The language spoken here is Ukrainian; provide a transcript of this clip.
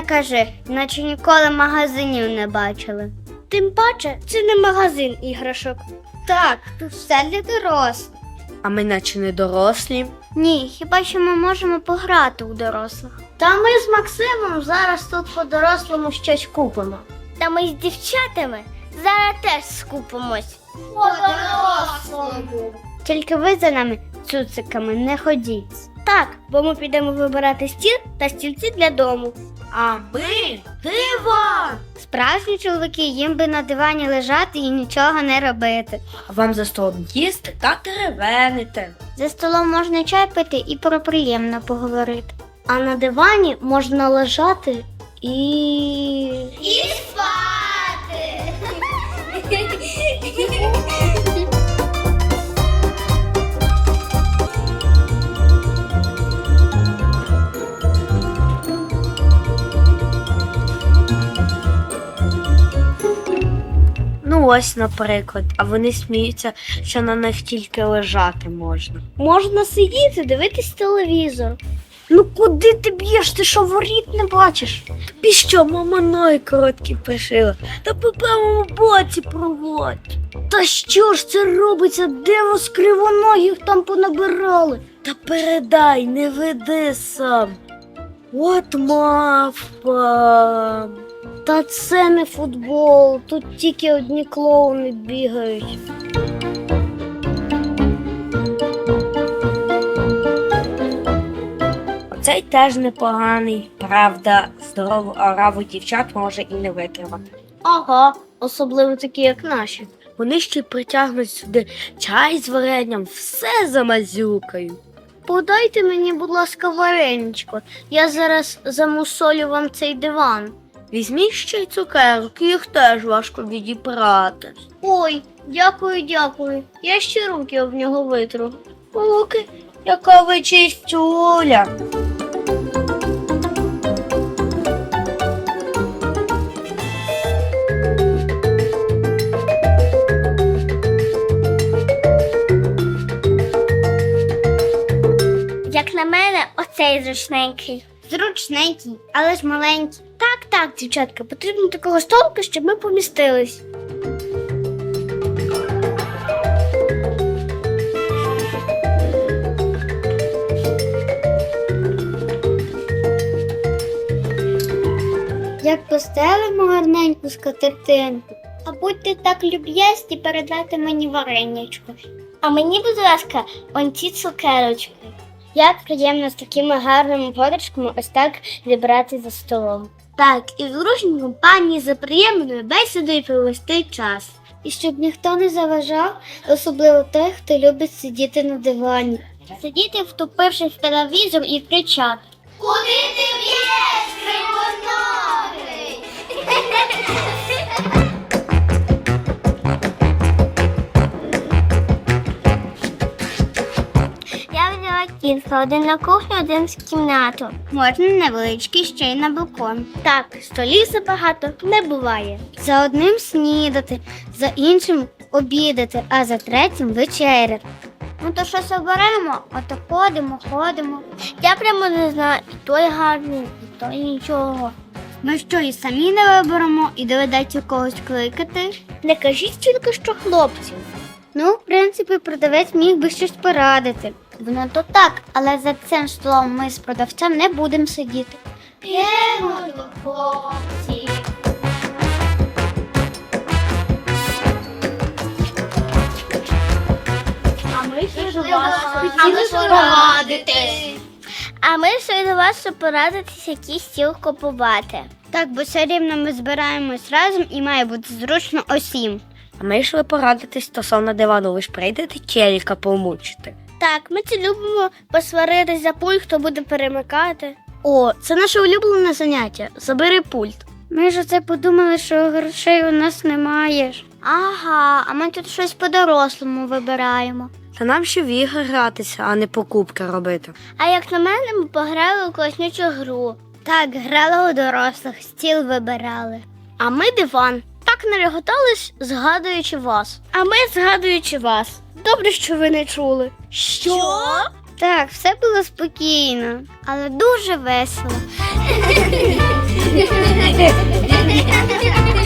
кажи, наче ніколи магазинів не бачили. Тим паче, це не магазин іграшок. Так, тут все для дорослих. А ми наче не дорослі. Ні, хіба що ми можемо пограти у дорослих. Та ми з Максимом зараз тут по-дорослому щось купимо. Та ми з дівчатами зараз теж скупимось. По-дорослому. Тільки ви за нами цуциками не ходіть. Так, бо ми підемо вибирати стіл та стільці для дому. А ми диван! Справжні чоловіки їм би на дивані лежати і нічого не робити. А вам за столом їсти та теревенити. За столом можна чай пити і про приємне поговорити. А на дивані можна лежати і спати! Ну ось, наприклад, а вони сміються, що на них тільки лежати можна. Можна сидіти, дивитись телевізор. Ну куди ти б'єш? Ти що, воріт не бачиш? Тобі що, мама ноги короткі пришила? Та по правому боці проводь. Та що ж це робиться? Де вас кривоногих там понабирали? Та передай, не веди сам. От мавпа. Та це не футбол, тут тільки одні клоуни бігають. Оцей теж непоганий. Правда, здорову ораву дівчат може і не витримати. Ага, особливо такі, як наші. Вони ще й притягнуть сюди чай з варенням, все замазюкають. Подайте мені, будь ласка, вареничко. Я зараз замусолю вам цей диван. Візьміть ще й цукерки, їх теж важко відібрати. Ой, дякую, дякую. Я ще руки об нього витру. Руки, яка ви чистюля. Як на мене, оцей зручненький. Зручненький, але ж маленький. Так, дівчатка, потрібно такого столика, щоб ми помістились. Як постелимо гарненьку скатертинку, а будьте так люб'язні передати мені варенячко. А мені, будь ласка, он ці цукерочки. Як приємно з такими гарними подружками ось так зібрати за столом. Так, і в дружній компанії за приємною бесідою провести час. І щоб ніхто не заважав, особливо той, хто любить сидіти на дивані. Сидіти, втупившись в телевізор і кричати. Куди ти б'єш, кривоногий? Я взяла кілька, один на кухню, один в кімнату. Можна невеличкий ще й на балкон. Так, столів забагато не буває. За одним снідати, за іншим обідати, а за третім вечеряти. Ну то щось оберемо, а то ходимо. Я прямо не знаю, і той гарний, і той нічого. Ми що, і самі не виберемо, і доведеться когось кликати? Не кажіть тільки, що хлопців. Ну, в принципі, продавець міг би щось порадити. Воно то так, але за цим столом ми з продавцем не будемо сидіти. Підемо до хлопців. А ми ще до вас хотіли порадитись. А ми ще до вас, щоб порадитись, який стіл купувати. Так, бо все рівно ми збираємось разом і має бути зручно усім. А ми йшли порадитись стосовно дивану, ви ж прийдете челіка помучити. Так, ми це любимо посваритись за пульт, хто буде перемикати. О, це наше улюблене заняття. Забери пульт. Ми ж оце подумали, що грошей у нас немає. Ага, а ми тут щось по-дорослому вибираємо. Та нам ще в ігри гратися, а не покупки робити. А як на мене, ми пограли у класнючу гру. Так, грали у дорослих, стіл вибирали. А ми диван. Так нареготались, згадуючи вас. А ми згадуючи вас. Добре, що ви не чули. Що? Так, все було спокійно, але дуже весело.